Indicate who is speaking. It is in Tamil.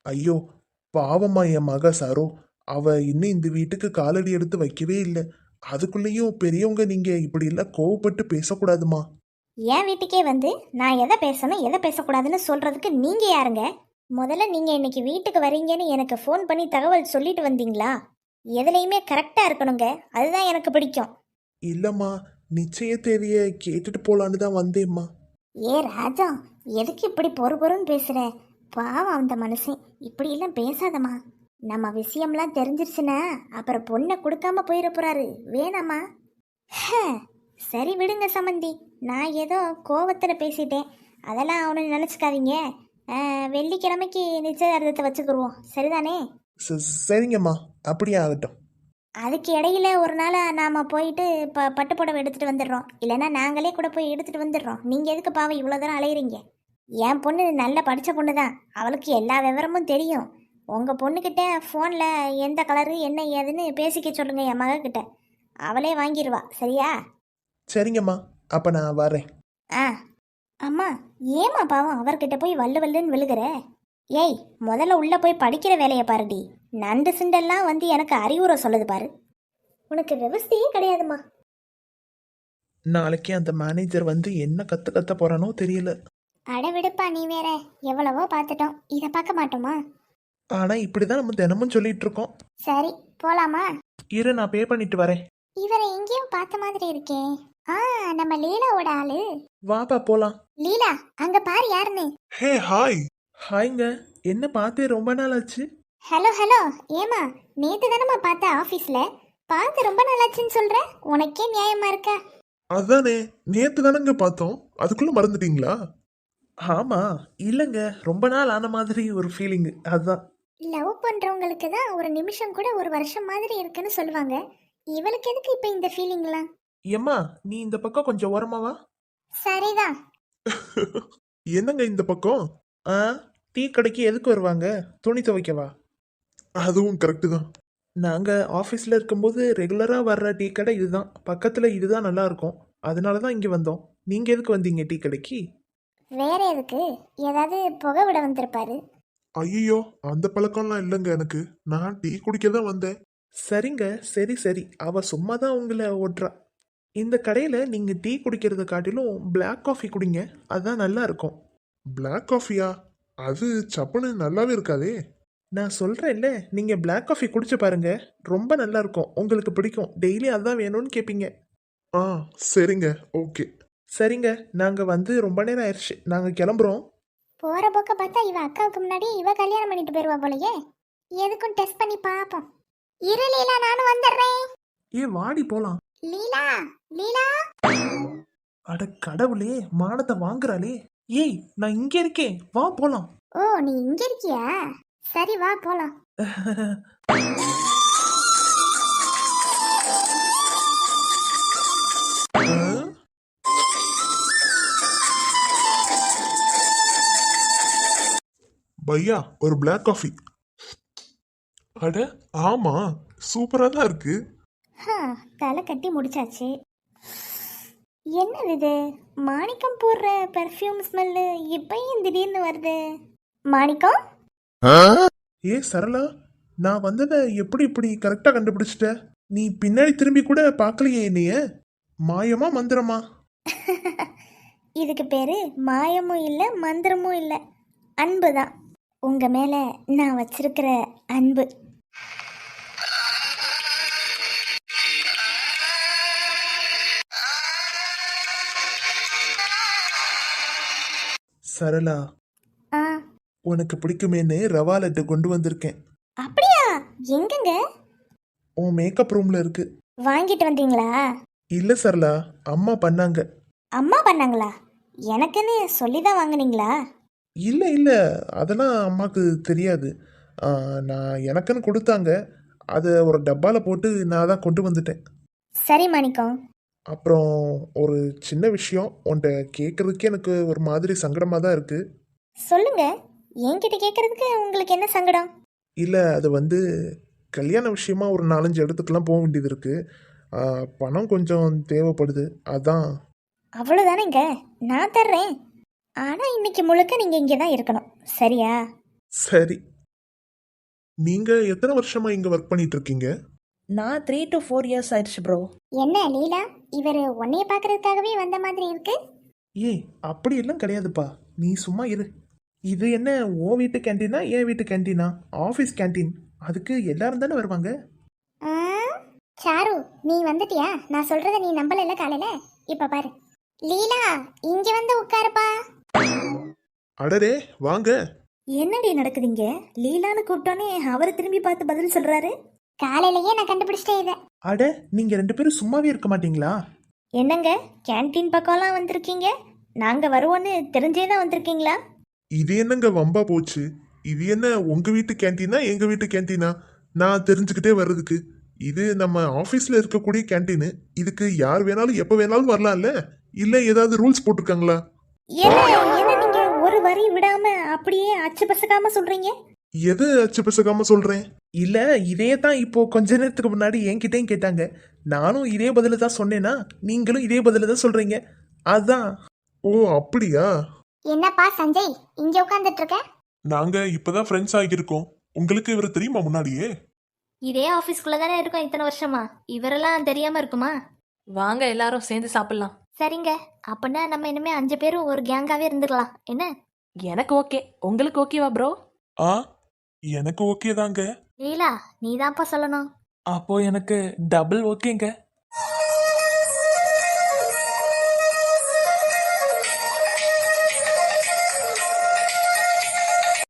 Speaker 1: ஐயோ, பாவம்மா என் மக சரோ. அவ இன்னும் இந்த வீட்டுக்கு காலடி எடுத்து வைக்கவே இல்லை. அதுக்குள்ளேயும் பெரியவங்க நீங்க இப்படி எல்லாம் கோவப்பட்டு பேசக்கூடாதுமா.
Speaker 2: என் வீட்டுக்கே வந்து நான் எதை பேசணும் எதை பேசக்கூடாதுன்னு சொல்றதுக்கு நீங்க யாருங்க? முதல்ல நீங்க இன்னைக்கு வீட்டுக்கு வரீங்கன்னு எனக்கு ஃபோன் பண்ணி தகவல் சொல்லிட்டு வந்தீங்களா? எதுலையுமே கரெக்டா இருக்கணுங்க. அதுதான் எனக்கு பிடிக்கும்.
Speaker 1: இல்லம்மா, நிச்சய தேதிய கேட்டுட்டு போலான்னு தான் வந்தேம்மா.
Speaker 2: ஏ ராஜா, எதுக்கு இப்படி பொறுன்னு பேசுற? பாவம் அந்த மனுஷன். இப்படி எல்லாம் பேசாதம்மா. நம்ம விஷயம்லாம் தெரிஞ்சிருச்சுன்னா அப்புறம் பொண்ணை கொடுக்காம போயிட போறாரு. வேணாமா? ஹே, சரி விடுங்க சம்மந்தி. நான் ஏதோ கோவத்தில் பேசிட்டேன். அதெல்லாம் அவனை நினச்சிக்காதீங்க. வெள்ளிக்கிழமைக்கு நிச்சயதார்த்தத்தை வச்சுக்கிடுவோம், சரிதானே?
Speaker 1: சரிங்கம்மா, அப்படியே ஆகட்டும்.
Speaker 2: அதுக்கு இடையில ஒரு நாள் நாம் போயிட்டு பட்டு புடவை எடுத்துகிட்டு வந்துடுறோம். இல்லைன்னா நாங்களே கூட போய் எடுத்துகிட்டு வந்துடுறோம். நீங்கள் எதுக்கு பாவம் இவ்வளோ தூரம் அலையிறீங்க? என் பொண்ணு நல்ல படித்த பொண்ணு தான். அவளுக்கு எல்லா விவரமும் தெரியும். உங்கள் பொண்ணுக்கிட்ட ஃபோனில் எந்த கலரு என்ன ஏதுன்னு பேசிக்க சொல்லுங்கள் என் மகக்கிட்ட. அவளே வாங்கிடுவா, சரியா?
Speaker 1: சரிங்கம்மா, அப்போ நான் வரேன்.
Speaker 2: ஆ. அம்மா, ஏமா பாவம் அவர்கிட்ட போய் வல்லு வல்லுன்னு விழுகிற? ஏய், முதல்ல உள்ளே போய் படிக்கிற வேலையை பாருடி. நண்டு சிண்டெல்லாம் வந்து எனக்கு அறிவுரை சொல்லுது பாரு. உனக்கு விவசாயே கிடையாதுமா.
Speaker 1: நாளைக்கு அந்த மேனேஜர் வந்து என்ன கத்த போறானோ தெரியல.
Speaker 2: அட விடுப்பா, நீ வேற. எவ்வளவோ பார்த்துட்டோம், இதை பார்க்க மாட்டோமா?
Speaker 1: ஆனா இப்படிதான் நம்ம தினமும் சொல்லிட்டு இருக்கோம்.
Speaker 2: சரி, போலாமா?
Speaker 1: இரு, நான் பே பண்ணிட்டு வரேன்.
Speaker 2: இவரை எங்கேயோ பார்த்த மாதிரி இருக்கே. ஆ, நம்ம லீலாவோட ஆளு.
Speaker 1: வாப்பா போலாம்.
Speaker 2: லீலா, அங்க பாரு யாருன்னு.
Speaker 1: Hey hi. ஹாய்ங்க, என்ன பார்த்தே ரொம்ப நாள் ஆச்சு.
Speaker 2: Hello hello. ஏமா, நேத்து தானம்மா பார்த்த ஆபீஸ்ல. பார்த்து ரொம்ப நாளாச்சுன்னு சொல்ற. உனக்கே நியாயமா இருக்கா?
Speaker 1: அதானே, நேத்து தானங்க பார்த்தோம், அதுக்குள்ள மறந்துட்டீங்களா? ஆமா, இல்லங்க, ரொம்ப நாள் ஆன மாதிரி ஒரு ஃபீலிங், அதான்.
Speaker 2: லவ் பண்றவங்களுக்கு தான் ஒரு நிமிஷம் கூட ஒரு வருஷம் மாதிரி இருக்குன்னு சொல்லுவாங்க. இவளுக்கு எதுக்கு இப்ப இந்த ஃபீலிங்லாம்?
Speaker 1: ஏம்மா, நீ இந்த பக்கம் கொஞ்சம் ஓரமாவா.
Speaker 2: சரிதான்.
Speaker 1: என்னங்க இந்த பக்கம்? ஆ, டீ கடைக்கு எதுக்கு வருவாங்க? துணி துவைக்கவா? அதுவும் கரெக்டு தான். நாங்க ஆஃபீஸில் இருக்கும்போது ரெகுலராக வர்ற டீ கடை இதுதான். பக்கத்தில் இதுதான் நல்லா இருக்கும். அதனால தான் இங்கே வந்தோம். நீங்கள் எதுக்கு வந்தீங்க டீ கடைக்கு?
Speaker 2: வேற எதுக்கு? ஏதாவது புகை விட வந்திருப்பாரு.
Speaker 1: ஐயோ, அந்த பழக்கம்லாம் இல்லைங்க எனக்கு. நான் டீ குடிக்க தான் வந்தேன். சரிங்க, சரி சரி, அவ சும்மா தான் உங்களை ஓட்டுறா. இந்த கடையில் நீங்கள் டீ குடிக்கிறத காட்டிலும் பிளாக் காஃபி குடிங்க, அதுதான் நல்லா இருக்கும். பிளாக் காஃபியா? அது சப்புன்னு நல்லாவே இருக்காதே. நான் சொல்கிறேன்ல, நீங்கள் பிளாக் காஃபி குடிச்சு பாருங்க, ரொம்ப நல்லா இருக்கும், உங்களுக்கு பிடிக்கும். டெய்லி அதான் வேணும்னு கேட்பீங்க. ஆ, சரிங்க, ஓகே. சரிங்க, நாங்கள் வந்து ரொம்ப நேரம் ஆயிடுச்சு, நாங்கள் கிளம்புறோம்.
Speaker 2: போற போக்க பார்த்தா இவ அக்காவுக்கு முன்னாடி இவ கல்யாணம் பண்ணிட்டு போயிருவா போலயே. எதுக்கும் டெஸ்ட் பண்ணி பாப்போம். இரு லீலா, நானும் வந்துடுறேன்.
Speaker 1: ஏ வாடி போலாம்.
Speaker 2: லீலா, லீலா.
Speaker 1: அட கடவுளே, மானத்தை வாங்குறாளே. ஏய், நான் இங்க இருக்கேன், வா போலாம்.
Speaker 2: ஓ, நீ இங்க இருக்கியா? சரி, வா போலாம்.
Speaker 1: பையா, ஒரு பிளாக் காஃபி. அட ஆமா, சூப்பரா தான் இருக்கு.
Speaker 2: தலை கட்டி முடிச்சாச்சு. என்னது இது? மாணிக்கம் போடுற பெர்ஃப்யூம் ஸ்மெல்லு இப்பயும் திடீர்னு வருது. மாணிக்கம்?
Speaker 1: ஏ சரளா, நான் வந்ததை எப்படி இப்படி கரெக்டா கண்டுபிடிச்சிட்ட? நீ பின்னாடி திரும்பி கூட பார்க்கலையே என்னைய. மாயமா மந்திரமா?
Speaker 2: இதுக்கு பேரு மாயமும் இல்லை மந்திரமும் இல்லை, அன்பு தான். உங்க மேல நான் வச்சிருக்கிற அன்பு.
Speaker 1: சரளா,
Speaker 2: ஆ,
Speaker 1: உனக்கு பிடிக்குமேன்னு ரவா லட்டு கொண்டு வந்திருக்கேன்.
Speaker 2: அப்படியா? எங்கங்க?
Speaker 1: உன் மேக்கப் ரூம்ல இருக்கு.
Speaker 2: வாங்கிட்டு வந்தீங்களா?
Speaker 1: இல்ல சரளா, அம்மா பண்ணாங்க.
Speaker 2: அம்மா பண்ணாங்களா? எனக்குன்னு சொல்லி தான் வாங்குனீங்களா?
Speaker 1: இல்ல இல்ல, அதெல்லாம் அம்மாக்கு தெரியாது. நான் எனக்குன்னு கொடுத்தாங்க. அதை ஒரு டப்பால போட்டு நான் தான் கொண்டு வந்துட்டேன்.
Speaker 2: சரி மாணிக்கம்.
Speaker 1: அப்புறம் ஒரு சின்ன விஷயம் உன்கிட்ட கேட்கறதுக்கே எனக்கு ஒரு மாதிரி சங்கடமா தான் இருக்கு.
Speaker 2: சொல்லுங்க. என்கிட்ட கேட்கறதுக்கு உங்களுக்கு என்ன சங்கடம்?
Speaker 1: இல்ல, அது வந்து கல்யாண விஷயமா ஒரு 4-5 இடத்துக்குலாம் போக வேண்டியது இருக்கு. பணம் கொஞ்சம் தேவைப்படுது, அதான்.
Speaker 2: அவ்வளோதானேங்க, நான் தர்றேன். ஆனால் இன்னைக்கு முழுக்க நீங்கள் இங்கே தான் இருக்கணும், சரியா?
Speaker 1: சரி. நீங்க எத்தனை வருஷமா இங்க ஒர்க் பண்ணிட்டு இருக்கீங்க?
Speaker 3: நான் 3 to 4 இயர்ஸ் ஆயிடுச்சு ப்ரோ.
Speaker 2: என்ன லீலா, இவர் உன்னைய பார்க்கறதுக்காகவே வந்த மாதிரி இருக்கு.
Speaker 1: ஏய், அப்படி எல்லாம் கிடையாதுப்பா. நீ சும்மா இரு. இது என்ன ஓ வீட்டு கேண்டீனா என் வீட்டு கேண்டீனா? Office canteen. அதுக்கு எல்லாரும் தானே வருவாங்க.
Speaker 2: ஆ, சாரு நீ வந்துட்டியா? நான் சொல்றத நீ நம்பல காலையில. இப்ப பாரு. லீலா, இங்க வந்து உட்காருப்பா.
Speaker 1: அடடே, வாங்க.
Speaker 3: என்னடி நடக்குதுங்க? லீலான்னு கூப்பிட்டோன்னே அவர் திரும்பி பார்த்து பதில் சொல்றாரு.
Speaker 2: காலையிலயே நான் கண்டுபிடிச்சிட்டேன் இத.
Speaker 1: அட, நீங்க 2 பேரும் சும்மாவே இருக்க மாட்டீங்களா?
Speaker 3: என்னங்க கேன்டீன் பக்கம்லாம் வந்திருக்கீங்க? நாங்க வருவோன்னு தெரிஞ்சே தான் வந்திருக்கீங்களா?
Speaker 1: இது என்னங்க வம்பா போச்சு? இது என்ன உங்க வீட்டு கேண்டீனா எங்க வீட்டு கேண்டீனா? நான் தெரிஞ்சுக்கிட்டே வர்றதுக்கு. இது நம்ம ஆபீஸ்ல இருக்கக்கூடிய கேண்டீனு. இதுக்கு யார் வேணாலும் எப்ப வேணாலும் வரலாம்ல? இல்ல ஏதாவது ரூல்ஸ் போட்டிருக்காங்களா?
Speaker 3: என்ன என்ன நீங்க ஒரு வரி விடாம அப்படியே அச்சு பசக்காம சொல்றீங்க?
Speaker 1: எது அச்சு பிசகாம சொல்றேன்? இல்ல, இதே தான் இப்போ கொஞ்ச நேரத்துக்கு முன்னாடி என்கிட்டயும் கேட்டாங்க. நானும் இதே பதில தான் சொன்னேனா, நீங்களும் இதே பதில தான் சொல்றீங்க. அதான். ஓ, அப்படியா?
Speaker 2: என்னப்பா சஞ்சய், இங்க உட்கார்ந்துட்டு இருக்க?
Speaker 1: நாங்க இப்பதான் ஃப்ரெண்ட்ஸ் ஆகியிருக்கோம். உங்களுக்கு இவர் தெரியுமா முன்னாடியே?
Speaker 3: இதே ஆபீஸ்க்குள்ள தானே இருக்கோம் இத்தனை வருஷமா. இவரெல்லாம் தெரியாம இருக்குமா?
Speaker 4: வாங்க எல்லாரும் சேர்ந்து சாப்பிடலாம்.
Speaker 3: சரிங்க, அப்படின்னா நம்ம இனிமே 5 பேரும் ஒரு கேங்காவே இருந்துக்கலாம் என்ன?
Speaker 4: எனக்கு ஓகே. உங்களுக்கு ஓகேவா ப்ரோ?
Speaker 1: ஆ, எனக்கு ஓகே தாங்க.
Speaker 3: லீலா, நீதான்ப்பா சொல்லணும்.
Speaker 4: அப்போ எனக்கு டபுள் ஓகேங்க.